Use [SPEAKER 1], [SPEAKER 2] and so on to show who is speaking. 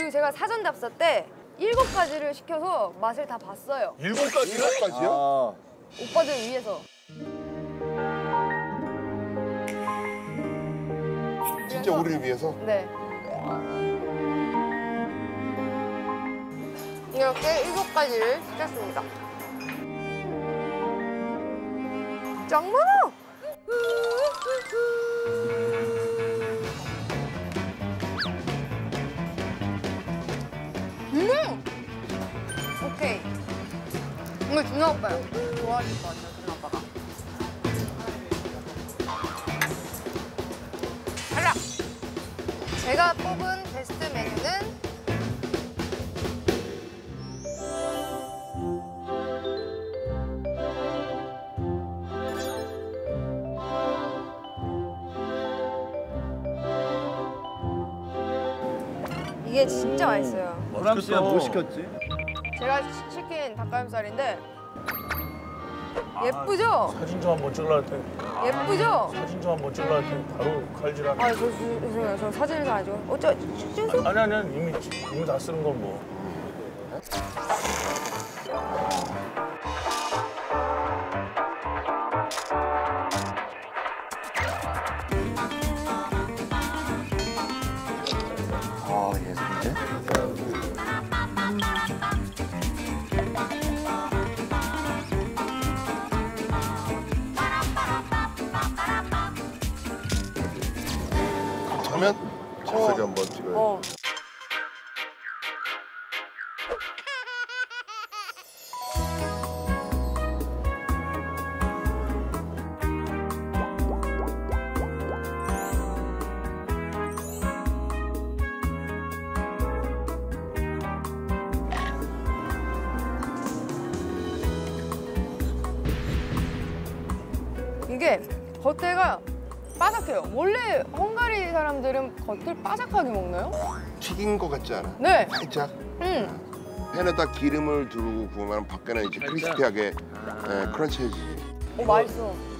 [SPEAKER 1] 그리고 제가 사전 답사 때 7가지를 시켜서 맛을 다 봤어요.
[SPEAKER 2] 7가지요?
[SPEAKER 1] 오빠들 위해서.
[SPEAKER 2] 진짜 우리를 위해서?
[SPEAKER 1] 네. 이렇게 7가지를 시켰습니다. 짱 많아! 오케이. 이거 준호 오빠요. 좋아하실 것 같아요, 준호 오빠가. 탈락! 제가 뽑은 베스트 메뉴는 이게 진짜 맛있어요.
[SPEAKER 3] 프랑스야 뭐 시켰지?
[SPEAKER 1] 제가 시킨 닭가슴살인데 예쁘죠?
[SPEAKER 4] 사진 좀 한번 찍으려 할 때.
[SPEAKER 1] 예쁘죠?
[SPEAKER 4] 사진 좀 한번 찍으려 할 때 바로 칼질하네.
[SPEAKER 1] 아, 죄송해요. 저 사진을 다 아니고. 찍으세요?
[SPEAKER 4] 아니 이미 다 쓰는 건 뭐.
[SPEAKER 3] 아 예술인데?
[SPEAKER 2] 그러면 즉석에 한번 찍어요.
[SPEAKER 1] 이게 겉에가 바삭해요. 원래 헝가리 사람들은 겉을 바삭하게 먹나요?
[SPEAKER 2] 튀긴 거 같지 않아?
[SPEAKER 1] 네.
[SPEAKER 2] 살짝. 팬에다 기름을 두르고 구우면 밖에는 이제 크리스피하게 크런치해지지.
[SPEAKER 1] 맛있어.